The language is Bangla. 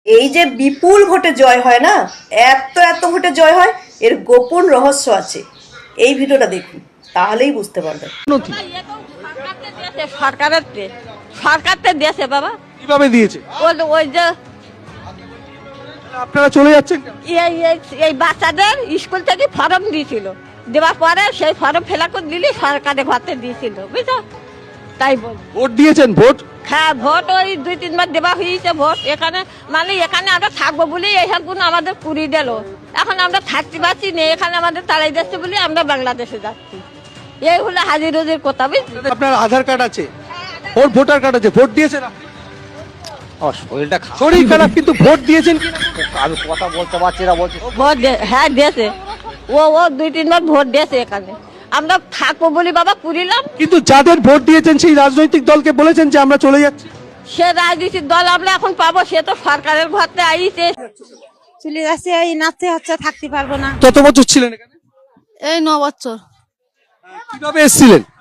এই যে বিপুল ভোটে জয় হয় না, এত এত ভোটে জয় হয়, এর গোপন রহস্য আছে। এই ভিডিওটা দেখুন, তাহলেই বুঝতে পারবেন। সরকার দিয়েছে বাবা। কিভাবে দিয়েছে? ওই যে আপনারা চলে যাচ্ছেন কেন? এই বাচ্চাদের স্কুল থেকে ফর্ম দিয়েছিল, দেওয়ার পরে সেই ফর্ম ফিল আপ করে দিলি সরকারের ঘরতে দিয়েছিল, বুঝছো? তাই বল। ভোট দিয়েছেন? ভোট হ্যাঁ, ভোট ওই 2-3 বার দেওয়া হয়েছে ভোট। এখানে মানে এখানে আমরা থাকবো বলে এইসবগুলো আমাদের পুরি দিল। এখন আমরা থাকতে পারছি না, এখানে আমাদের তাড়াই যাচ্ছে বলে আমরা বাংলাদেশে যাচ্ছি। এই হলো হাজির রোজির কথা, বুঝলি? আপনার আধার কার্ড আছে, ওর ভোটার কার্ড আছে, ভোট দিয়েছেন আপনি? আমার শরীরটা শরীর খারাপ কিন্তু ভোট দিয়েছেন কি না? আমি কথা বলতে পারছি না, বলছি হ্যাঁ দিয়েছে, ও 2-3 বার ভোট দিয়েছে এখানে। আমরা থাকবো বলি বাবা পুরিলাম। কিন্তু যাদের ভোট দিয়েছেন সেই রাজনৈতিক দলকে বলেছেন যে আমরা চলে যাচ্ছি। সে রাজনীতির দল আমরা এখন পাবো, সে তো সরকারের ঘরতে আইছে। চলে যাচ্ছে, এই নাচতে হচ্ছে, থাকতে পারবো না। কত বছর ছিলেন এখানে? এই 9 বছর। কিভাবে এসেছিলেন?